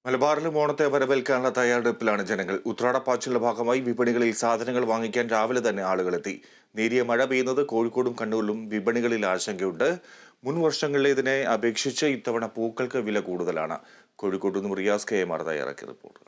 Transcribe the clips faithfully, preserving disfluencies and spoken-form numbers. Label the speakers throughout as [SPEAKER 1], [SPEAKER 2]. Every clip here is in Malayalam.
[SPEAKER 1] മലബാറിലും ഓണത്തെ വരവേൽക്കാനുള്ള തയ്യാറെടുപ്പിലാണ് ജനങ്ങൾ. ഉത്രാടപ്പാച്ചിലിന്റെ ഭാഗമായി വിപണികളിൽ സാധനങ്ങൾ വാങ്ങിക്കാൻ രാവിലെ തന്നെ ആളുകളെത്തി. നേരിയ മഴ പെയ്യുന്നത് കോഴിക്കോടും കണ്ണൂരിലും വിപണികളിൽ ആശങ്കയുണ്ട്. മുൻ വർഷങ്ങളിലേതിനെ അപേക്ഷിച്ച് ഇത്തവണ പൂക്കൾക്ക് വില കൂടുതലാണ്. കോഴിക്കോട് നിന്നും റിയാസ് കെ എം ആർ തയ്യാറാക്കിയ റിപ്പോർട്ടുകൾ.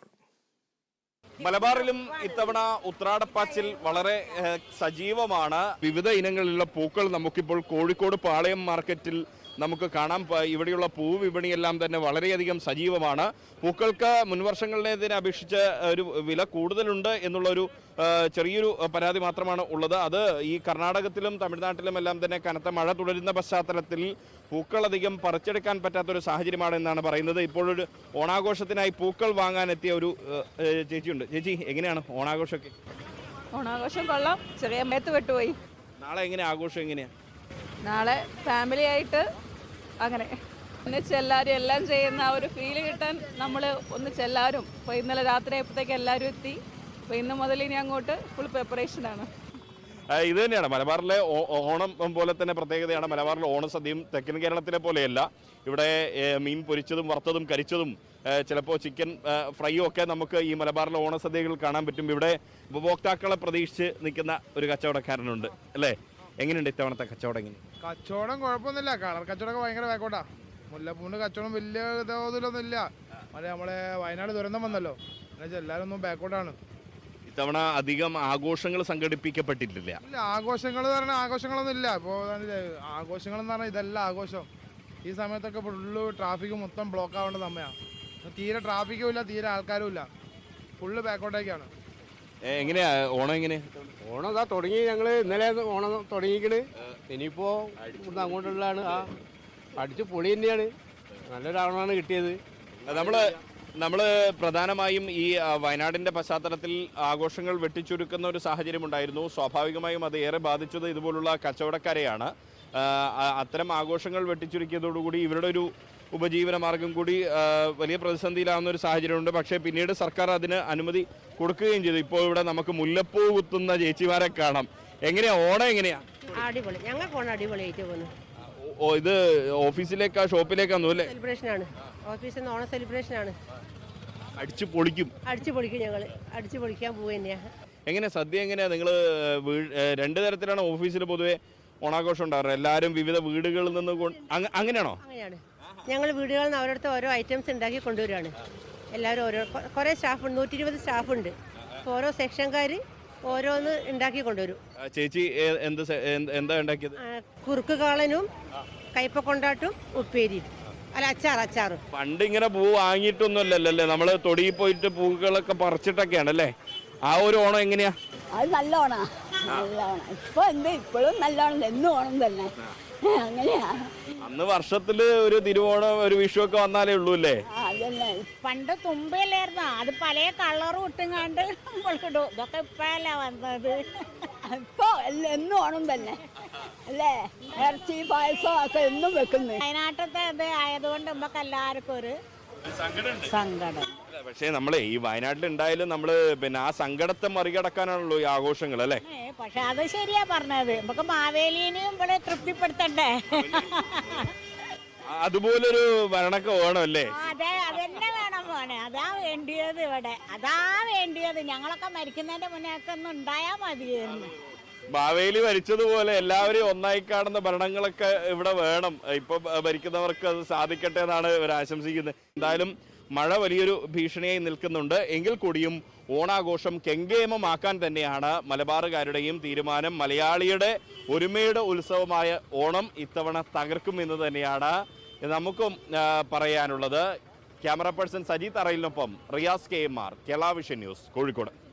[SPEAKER 2] മലബാറിലും ഇത്തവണ ഉത്രാടപ്പാച്ചിൽ വളരെ സജീവമാണ്. വിവിധ ഇനങ്ങളിലുള്ള പൂക്കൾ നമുക്കിപ്പോൾ കോഴിക്കോട് പാളയം മാർക്കറ്റിൽ നമുക്ക് കാണാം. ഇവിടെയുള്ള പൂ വിപണിയെല്ലാം തന്നെ വളരെയധികം സജീവമാണ്. പൂക്കൾക്ക് മുൻവർഷങ്ങളിലേതിനെ അപേക്ഷിച്ച് ഒരു വില കൂടുതലുണ്ട് എന്നുള്ളൊരു ചെറിയൊരു പരാതി മാത്രമാണ് ഉള്ളത്. അത് ഈ കർണാടകത്തിലും തമിഴ്നാട്ടിലും എല്ലാം തന്നെ കനത്ത മഴ തുടരുന്ന പശ്ചാത്തലത്തിൽ പൂക്കളധികം പറിച്ചെടുക്കാൻ പറ്റാത്തൊരു സാഹചര്യമാണ് എന്നാണ് പറയുന്നത്. ഇപ്പോഴൊരു ഓണാഘോഷത്തിനായി പൂക്കൾ വാങ്ങാനെത്തിയ ഒരു ചേച്ചിയുണ്ട്. ചേച്ചി, എങ്ങനെയാണ് ഓണാഘോഷമൊക്കെ?
[SPEAKER 3] ഓണാഘോഷം കൊള്ളാം. ചെറിയ മേത്ത് വിട്ടുപോയി.
[SPEAKER 2] നാളെ എങ്ങനെ ആഘോഷം എങ്ങനെയാ?
[SPEAKER 3] നാളെ ഫാമിലി ആയിട്ട് അങ്ങനെ ഒന്നിച്ച് എല്ലാവരും എല്ലാം ചെയ്യുന്ന ആ ഒരു ഫീല് കിട്ടാൻ നമ്മൾ ഒന്നിച്ച് എല്ലാവരും ഇപ്പോൾ ഇന്നലെ രാത്രി ആയപ്പോഴത്തേക്ക് എല്ലാവരും എത്തി. അപ്പോൾ ഇന്ന് മുതൽ ഇനി അങ്ങോട്ട് ഫുൾ പ്രിപ്പറേഷനാണ്.
[SPEAKER 2] ഇത് തന്നെയാണ് മലബാറിലെ ഓണം പോലെ തന്നെ പ്രത്യേകതയാണ്. മലബാറിലെ ഓണസദ്യയും തെക്കൻ കേരളത്തിലെ പോലെയല്ല. ഇവിടെ മീൻ പൊരിച്ചതും വറുത്തതും കരിച്ചതും ചിലപ്പോൾ ചിക്കൻ ഫ്രൈയും ഒക്കെ നമുക്ക് ഈ മലബാറിലെ ഓണസദ്യകൾ കാണാൻ പറ്റും. ഇവിടെ ഉപഭോക്താക്കളെ പ്രതീക്ഷിച്ച് നിൽക്കുന്ന ഒരു കച്ചവടക്കാരനുണ്ട് അല്ലേ? എങ്ങനെയുണ്ട് ഇത്തവണത്തെ കച്ചവടം? എങ്ങനെ?
[SPEAKER 4] കച്ചവടം കുഴപ്പമൊന്നുമില്ല. കളർ കച്ചവടമൊക്കെ ഭയങ്കര വേക്കോട്ടാ. മുല്ലപ്പൂവിൻ്റെ കച്ചവടം വലിയ തോതിലൊന്നും ഇല്ല. അല്ലെ നമ്മളെ വയനാട് ദുരന്തം വന്നല്ലോ, എന്നുവെച്ചാൽ എല്ലാവരും ഒന്നും ബാക്കോട്ടാണ്.
[SPEAKER 2] ഇത്തവണ അധികം ആഘോഷങ്ങൾ സംഘടിപ്പിക്കപ്പെട്ടിട്ടില്ല.
[SPEAKER 4] ഇല്ല, ആഘോഷങ്ങൾ എന്ന് പറഞ്ഞാൽ ആഘോഷങ്ങളൊന്നും ഇല്ല. ഇപ്പോൾ ആഘോഷങ്ങൾ എന്ന് പറഞ്ഞാൽ ഇതല്ല ആഘോഷം. ഈ സമയത്തൊക്കെ ഫുള്ള് ട്രാഫിക് മൊത്തം ബ്ലോക്ക് ആവേണ്ട സമയമാണ്. തീരെ ട്രാഫിക്കും ഇല്ല, തീരെ ആൾക്കാരും ഇല്ല. ഫുള്ള് ബാക്കോട്ടേക്കാണ്.
[SPEAKER 2] എങ്ങനെയാ ഓണം? എങ്ങനെ
[SPEAKER 5] ഓണം ഇതാ തുടങ്ങി. ഞങ്ങൾ ഇന്നലെ ഓണം തുടങ്ങിക്കണ്. ഇനിയിപ്പോൾ ഇവിടുന്ന് അങ്ങോട്ടുള്ളതാണ്. ആ അടിച്ച് പൊളി തന്നെയാണ്. നല്ലൊരു ഓണമാണ് കിട്ടിയത്.
[SPEAKER 2] നമ്മൾ നമ്മൾ പ്രധാനമായും ഈ വയനാടിൻ്റെ പശ്ചാത്തലത്തിൽ ആഘോഷങ്ങൾ വെട്ടിച്ചുരുക്കുന്ന ഒരു സാഹചര്യം ഉണ്ടായിരുന്നു. സ്വാഭാവികമായും അത് ഏറെ ബാധിച്ചത് ഇതുപോലുള്ള കച്ചവടക്കാരെയാണ്. അത്തരം ആഘോഷങ്ങൾ വെട്ടിച്ചുരുക്കിയതോടുകൂടി ഇവരുടെ ഒരു ഉപജീവന മാർഗം കൂടി വലിയ പ്രതിസന്ധിയിലാവുന്ന ഒരു സാഹചര്യമുണ്ട്. പക്ഷേ പിന്നീട് സർക്കാർ അതിന് അനുമതി കൊടുക്കുകയും ചെയ്തു. ഇപ്പോൾ ഇവിടെ നമുക്ക് മുല്ലപ്പൂ കുത്തുന്ന ചേച്ചിമാരെ കാണാം. എങ്ങനെയാ ഓണം? എങ്ങനെയാ?
[SPEAKER 6] അടിപൊളി. ഞങ്ങൾക്ക് ഓണം അടിപൊളിയായിട്ട് പോകുന്നു.
[SPEAKER 2] ഓ, ഇത് ഓഫീസിലേക്കാ ഷോപ്പിലേക്കാന്നു അല്ലേ?
[SPEAKER 6] സെലിബ്രേഷൻ ആണ്. ഓഫീസിൽ നിന്ന് ഓണം സെലിബ്രേഷൻ ആണ്.
[SPEAKER 2] അടിച്ചു പൊളിക്കും.
[SPEAKER 6] അടിച്ചു പൊളിക്കും. ഞങ്ങൾ അടിച്ചു പൊളിക്കാൻ പോവുക തന്നെയാ.
[SPEAKER 2] എങ്ങനെ സദ്യ എങ്ങനെയാ? നിങ്ങൾ രണ്ട് തരത്തിലാണ് ഓഫീസിൽ പൊതുവെ ഓണാഘോഷം ഉണ്ടാകാറ്. എല്ലാവരും വിവിധ വീടുകളിൽ നിന്ന് അങ്ങനെയാണോ?
[SPEAKER 6] അങ്ങനെയാണ്. ഞങ്ങൾ വീടുകളിൽ നിന്ന് അവരടുത്ത് ഓരോ ഐറ്റംസ് ഉണ്ടാക്കി കൊണ്ടുവരികയാണ്. എല്ലാവരും ഓരോ കുറേ സ്റ്റാഫ് നൂറ്റി ഇരുപത് സ്റ്റാഫുണ്ട്. അപ്പോൾ ഓരോ സെക്ഷൻകാർ ഓരോന്ന് ഉണ്ടാക്കി കൊണ്ടുവരും.
[SPEAKER 2] ചേച്ചി എന്ത് എന്താ ഉണ്ടാക്കിയത്?
[SPEAKER 6] കുറുക്ക് കാളനും കയ്പ കൊണ്ടാട്ടും ഉപ്പേരി അല്ല അച്ചാർ അച്ചാറും.
[SPEAKER 2] പണ്ട് ഇങ്ങനെ പൂ വാങ്ങിയിട്ടൊന്നുമല്ലല്ലേ, നമ്മൾ തൊടിയിൽ പോയിട്ട് പൂക്കളൊക്കെ പറിച്ചിട്ടൊക്കെയാണ് അല്ലേ? ആ ഒരു ഓണം എങ്ങനെയാ?
[SPEAKER 7] അത് നല്ല ഓണാ. നല്ല ഓണം. ഇപ്പൊ എന്ത് ഇപ്പോഴും നല്ല ഓണം, എന്നും ഓണം തന്നെ. അങ്ങനെയാ.
[SPEAKER 2] അന്ന് വർഷത്തില് ഒരു തിരുവോണം ഒരു വിഷു ഒക്കെ വന്നാലേ ഉള്ളൂ അല്ലേ?
[SPEAKER 7] അതല്ലേ.
[SPEAKER 8] പണ്ട് തുമ്പയിലായിരുന്നു. അത് പല കളറും ഇട്ടുങ്ങാണ്ട് ഇടും. ഇതൊക്കെ ഇപ്പഴല്ല വന്നത്.
[SPEAKER 7] ഇപ്പൊ എന്നും ഓണം തന്നെ അല്ലേ? ഇറച്ചി പായസം ഒക്കെ എന്നും വെക്കുന്നു.
[SPEAKER 8] വയനാട്ടത്തെ ഇത് ആയതുകൊണ്ട് നമുക്ക് എല്ലാവർക്കും ഒരു സങ്കടം.
[SPEAKER 2] പക്ഷേ നമ്മളെ ഈ വയനാട്ടിൽ ഉണ്ടായാലും നമ്മള് പിന്നെ ആ സങ്കടത്തെ മറികടക്കാനാണല്ലോ ഈ ആഘോഷങ്ങൾ അല്ലേ?
[SPEAKER 8] പക്ഷെ അത് ശരിയാ പറഞ്ഞത്. നമുക്ക് മാവേലിനെയും ഇവിടെ തൃപ്തിപ്പെടുത്തണ്ടേ?
[SPEAKER 2] അതുപോലൊരു ഭരണമൊക്കെ വേണം അല്ലേ?
[SPEAKER 8] അതെ, അതെന്നെ വേണം മോനെ. അതാ വേണ്ടിയത് ഇവിടെ. അതാ വേണ്ടിയത്. ഞങ്ങളൊക്കെ മരിക്കുന്നതിന്റെ മുന്നേ ഒക്കെ ഒന്നും ഉണ്ടായാ മതിയായിരുന്നു.
[SPEAKER 2] മാവേലി ഭരിച്ചതുപോലെ എല്ലാവരെയും ഒന്നായി കാണുന്ന ഭരണങ്ങളൊക്കെ ഇവിടെ വേണം. ഇപ്പൊ ഭരിക്കുന്നവർക്ക് അത് സാധിക്കട്ടെ എന്നാണ് ഇവർ ആശംസിക്കുന്നത്. എന്തായാലും മഴ വലിയൊരു ഭീഷണിയായി നിൽക്കുന്നുണ്ട്. എങ്കിൽ കൂടിയും ഓണാഘോഷം കെങ്കേമമാക്കാൻ തന്നെയാണ് മലബാറുകാരുടെയും തീരുമാനം. മലയാളിയുടെ ഒരുമയുടെ ഉത്സവമായ ഓണം ഇത്തവണ തകർക്കും എന്ന് തന്നെയാണ് നമുക്കും പറയാനുള്ളത്. ക്യാമറ പേഴ്സൺ സജി തറയിലിനൊപ്പം Riyas K M R, Kerala vision news, Kozhikode.